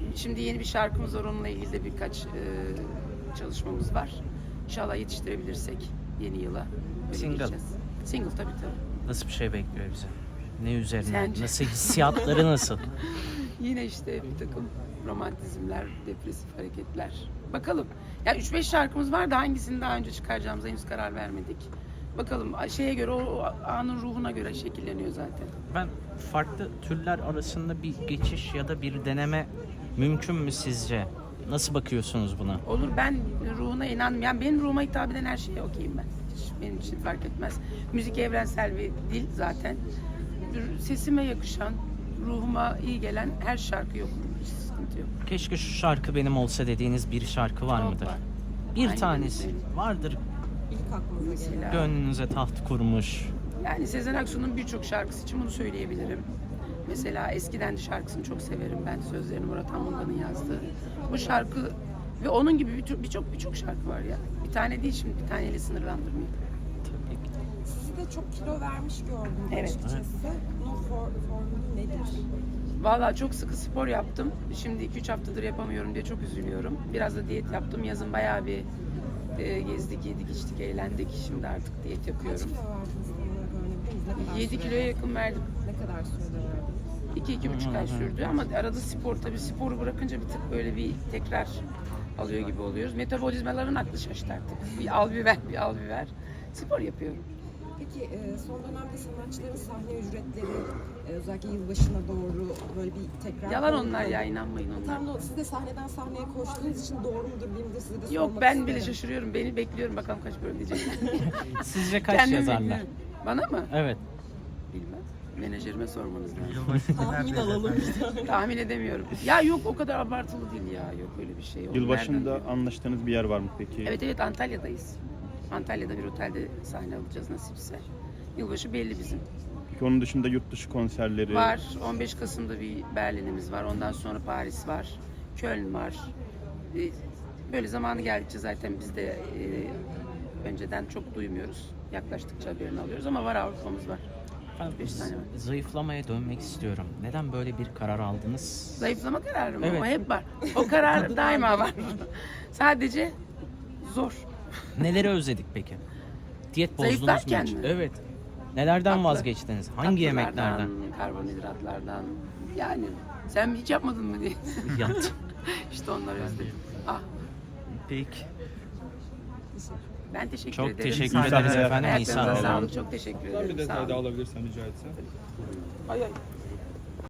Şimdi yeni bir şarkımız var, onunla ilgili de birkaç çalışmamız var. İnşallah yetiştirebilirsek yeni yıla. Böyle Single. gireceğiz. Single tabii. Nasıl bir şey bekliyor bize? Ne üzerine? Sence? Nasıl hissiyatları nasıl? Yine işte bir takım romantizmler, depresif hareketler. Bakalım. Ya 3-5 şarkımız var da hangisini daha önce çıkaracağımıza henüz karar vermedik. Bakalım şeye göre, o anın ruhuna göre şekilleniyor zaten. Ben farklı türler arasında bir geçiş ya da bir deneme mümkün mü sizce? Nasıl bakıyorsunuz buna? Olur, ben ruhuna inandım. Yani benim ruhuma hitap eden her şeye okeyim ben. Hiç benim için fark etmez. Müzik evrensel bir dil zaten. Sesime yakışan, ruhuma iyi gelen her şarkıyı okurum. Hiç sıkıntı yok. Keşke şu şarkı benim olsa dediğiniz bir şarkı var Çok mıdır? var. Bir Hangi tanesi birini? vardır. İlk aklınıza gelen. Mesela. Gönlünüze taht kurmuş. Yani Sezen Aksu'nun birçok şarkısı için bunu söyleyebilirim. Mesela Eskiden de şarkısını çok severim ben. Sözlerini Murat Anmunga'nın yazdığı. Bu şarkı ve onun gibi birçok şarkı var ya. Bir tane değil, şimdi bir taneyle sınırlandırmayayım. Tabii ki. Sizi de çok kilo vermiş gördüm Evet. açıkçası. Bunun formülü nedir? Vallahi çok sıkı spor yaptım. Şimdi 2-3 haftadır yapamıyorum diye çok üzülüyorum. Biraz da diyet yaptım. Yazın bayağı bir gezdik, yedik, içtik, eğlendik. Şimdi artık diyet Kaç yapıyorum. kilo verdiniz tam olarak öğrenebilir miyiz? Ne kadar 7 sürede? kiloya yakın verdim. Ne kadar sürede verdiniz? 2-2,5 ay sürdü ama arada spor, tabii sporu bırakınca bir tık böyle bir tekrar alıyor gibi oluyoruz. Metabolizmaların aklı şaştı artık. Bir al bir ver, bir al bir ver. Spor yapıyorum. Peki son dönemde sanatçıların sahne ücretleri özellikle yılbaşına doğru böyle bir tekrar... Yalan onlar ya, inanmayın onlar. Tam siz de sahneden sahneye koştuğunuz için doğru mudur bilmiyorum de size de Yok, sormak ben isterim. bile şaşırıyorum. Beni bekliyorum, bakalım kaç bölüm diyecekler. Sizce kaç Kendim yazarlar? bekliyorum. Bana mı? Evet. Bilmem. Menajerime sormanız lazım. Tahmin alalım. Tahmin edemiyorum. Ya yok, o kadar abartılı değil ya. Yok öyle bir şey. Onu Yılbaşında nereden- anlaştığınız bir yer var mı peki? Evet, Antalya'dayız. Antalya'da bir otelde sahne alacağız nasipse. Yılbaşı belli bizim. Peki onun dışında yurt dışı konserleri Var. 15 Kasım'da bir Berlin'imiz var. Ondan sonra Paris var. Köln var. Böyle zamanı geldikçe zaten biz de önceden çok duymuyoruz. Yaklaştıkça haberini alıyoruz ama var, Avrupa'mız var. Ben 5 tane var. zayıflamaya dönmek istiyorum. Neden böyle bir karar aldınız? Zayıflama kararı mı? Evet. O hep var. O karar daima var. Sadece zor. Neleri özledik peki? Diyet bozdunuz mu Zayıflarken hiç? mi? Evet. Nelerden Tatlı. vazgeçtiniz? Hangi Tatlılardan, yemeklerden? karbonhidratlardan. Yani sen hiç yapmadın mı diye. Yaptım. İşte onları özledim. Ah, Peki. ben teşekkür Çok ederim. teşekkür Sağ olun. ederiz efendim. İyi Ayaklarınıza sağ olun. sağlık. Çok teşekkür ederim. Bir Sağ detay olun. daha alabilirsem rica etsem. Ay ay.